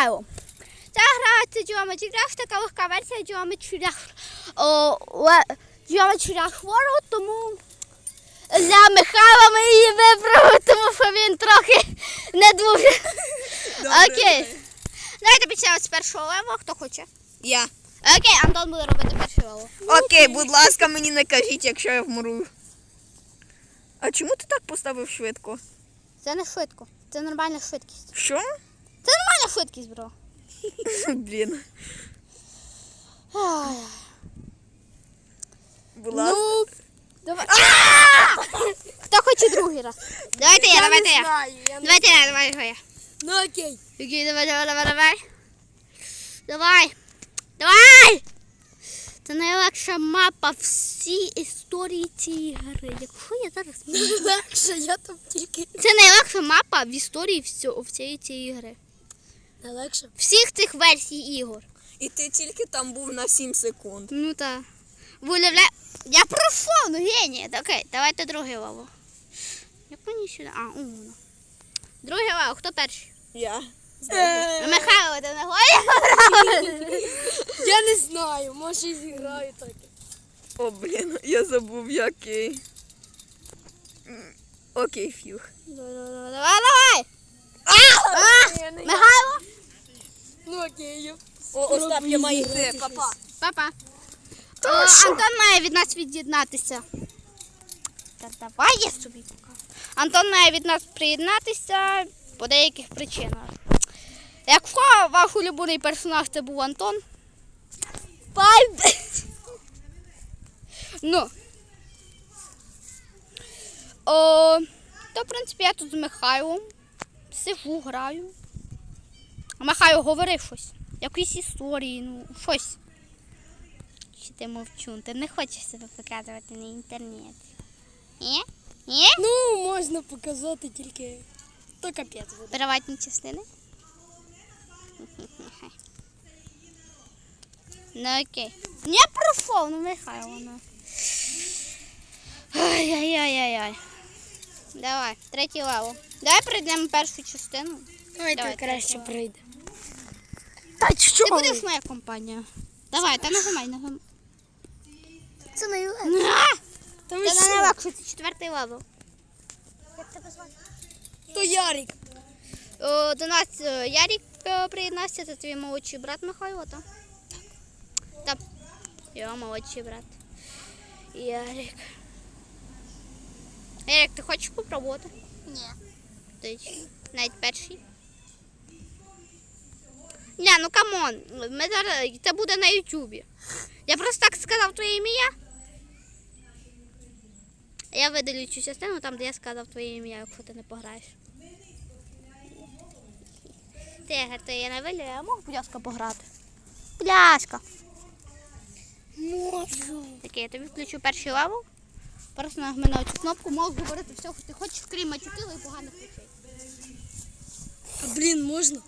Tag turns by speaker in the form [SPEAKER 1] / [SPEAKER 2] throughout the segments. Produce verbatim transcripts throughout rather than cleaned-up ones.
[SPEAKER 1] Михайло. Ця гра – це Geometry Dash, така легка версія Geometry Dash, о, Geometry Dash World, тому для Михайла ми її вибрали, тому що він трохи не дуже. Окей. Давайте почнемо з першого левела, хто хоче.
[SPEAKER 2] Я.
[SPEAKER 1] Окей, Антон буде робити перший левел.
[SPEAKER 2] Окей, будь ласка, мені не кажіть, якщо я вмру. А чому ти так поставив швидко?
[SPEAKER 1] Це не швидко, це нормальна швидкість.
[SPEAKER 2] Що?
[SPEAKER 1] Це нормальна швидкість, бро.
[SPEAKER 2] Блін.
[SPEAKER 1] Ой.
[SPEAKER 2] Будь ласка.
[SPEAKER 1] Ну, давай. Хто хоче другий раз? Давайте я, давайте я. Давайте я, давай я.
[SPEAKER 3] Ну окей.
[SPEAKER 1] Окей, давай, давай, давай, давай. Давай. Давай! Це найлегша мапа всій історії цієї гри. Якщо я зараз...
[SPEAKER 3] Легше, я там тільки...
[SPEAKER 1] Це найлегша мапа в історії всього, всієї цієї гри.
[SPEAKER 3] Найлегше?
[SPEAKER 1] Всіх цих версій ігор.
[SPEAKER 2] І ти тільки там був на сім секунд.
[SPEAKER 1] Ну так. Ви уявляєте? Я пройшов, ну геній. Окей, давайте другий левел. Як мені сюди? А, умно. Другий левел, хто перший?
[SPEAKER 2] Я.
[SPEAKER 1] Ну, Михайло, ти не говориш?
[SPEAKER 3] Я не знаю, може і зіграю так.
[SPEAKER 2] О, блін, я забув, який. М, Окей, фюх.
[SPEAKER 1] Давай, давай, давай! А! Михайло?
[SPEAKER 3] Ну окей, я...
[SPEAKER 2] О, Остап, я маю йти, папа.
[SPEAKER 1] Папа. О, Антон має від нас від'єднатися. Та давай я собі покажу. Антон має від нас приєднатися по деяких причинах. Якщо ваш улюблений персонаж це був Антон, бай! Ну. О, то, в принципі, я тут з Михайлом сижу, граю. А Михайло говорив щось. Якісь історії, ну, щось. Чи ти мовчун? Ти не хочеш себе показувати на інтернеті? Ні? Ні?
[SPEAKER 3] Ну, можна показати тільки... То капець буде.
[SPEAKER 1] Приватні частини? Ну окей. Не пройшов, ну Михайло. Ну. Ай-яй-яй-яй-яй. Давай, третій левел. Давай пройдемо першу частину.
[SPEAKER 3] Ой,
[SPEAKER 1] Давай,
[SPEAKER 3] так краще
[SPEAKER 1] третій
[SPEAKER 3] прийде.
[SPEAKER 2] Та що?
[SPEAKER 1] Ти будеш моя компанія. Давай, та нажимай, нажимай.
[SPEAKER 3] Це найлегше.
[SPEAKER 1] На!
[SPEAKER 3] Та
[SPEAKER 1] Це не найлегше, це четвертий левел. Як тебе звати?
[SPEAKER 3] То Ярик.
[SPEAKER 1] О, до нас е, Ярик е, приєднався, це твій молодший брат Михайло, так? Так. Його молодший брат. Ярик. Ярик, ти хочеш попробувати?
[SPEAKER 3] Ні.
[SPEAKER 1] Ти навіть перший. Ні, ну камон, ми зараз, це буде на ютубі. Я просто так сказав твоє ім'я. Я видалю цю частину там, де я сказав твоє ім'я, якщо ти не пограєш. Тигр, то я не вилю, я можу, будь ласка, пограти? Пляшка.
[SPEAKER 3] Можу.
[SPEAKER 1] Окей, я тобі включу перший левел. Просто нажми на цю кнопку, можеш говорити все, що ти хочеш, крім матюків і поганих речей.
[SPEAKER 3] А блін, можна?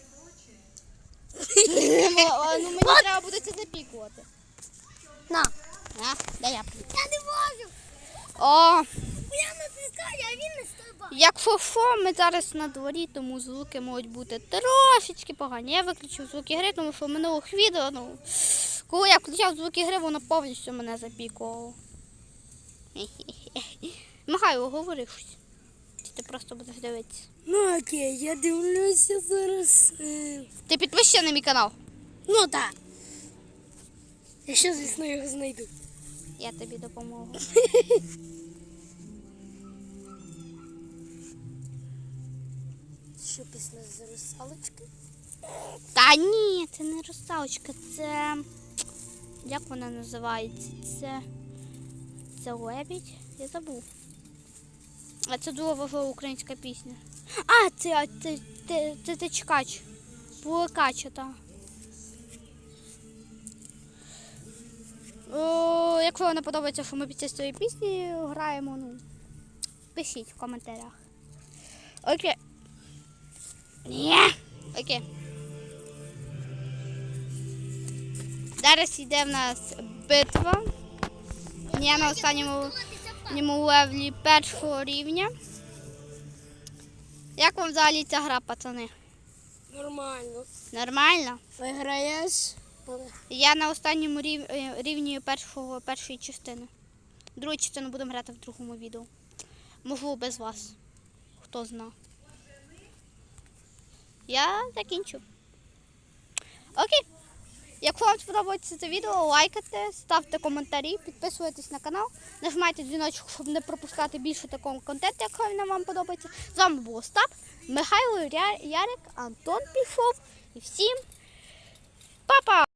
[SPEAKER 1] Ну мені треба буде це запікувати.
[SPEAKER 3] На.
[SPEAKER 1] На, дай я прийду.
[SPEAKER 3] Я не можу.
[SPEAKER 1] О,
[SPEAKER 3] Я не пускаю, а він не стрибає.
[SPEAKER 1] як фо-фо, ми зараз на дворі, тому звуки можуть бути трошечки погані. Я виключив звуки гри, тому що в минулих відео, ну, коли я включав звуки гри, воно повністю мене запікувало. Михайло, говори щось. Чи ти просто будеш дивитися?
[SPEAKER 3] Ну окей, я дивлюся зараз. е,
[SPEAKER 1] Ти підпишся на мій канал.
[SPEAKER 3] Ну так. Якщо, звісно, його знайду.
[SPEAKER 1] Я тобі допоможу.
[SPEAKER 3] Що після з русалочки?
[SPEAKER 1] Та ні, це не русалочка, це... Як вона називається? Це... Це лебідь? Я забув. А це дуже важлива українська пісня. А, це, а, це, це, це, це чекач. Пулекача, так. О, якщо вам не подобається, що ми під час цієї пісні граємо, ну, пишіть в коментарях. Окей. Ні. Окей. Зараз йде в нас битва. Я на останньому левлі першого рівня. Як вам взагалі ця гра, пацани?
[SPEAKER 3] Нормально.
[SPEAKER 1] Нормально.
[SPEAKER 3] Виграєш.
[SPEAKER 1] Я на останньому рів... е, рівні першого, першої частини. Другу частину будемо грати в другому відео. Можливо, без вас. Хто зна. Я закінчу. Окей. Якщо вам сподобається це відео, лайкайте, ставте коментарі, підписуйтесь на канал, нажимайте дзвіночок, щоб не пропускати більше такого контенту, якщо він вам подобається. З вами був Остап, Михайло, Ярик, Антон пішов. І всім па-па!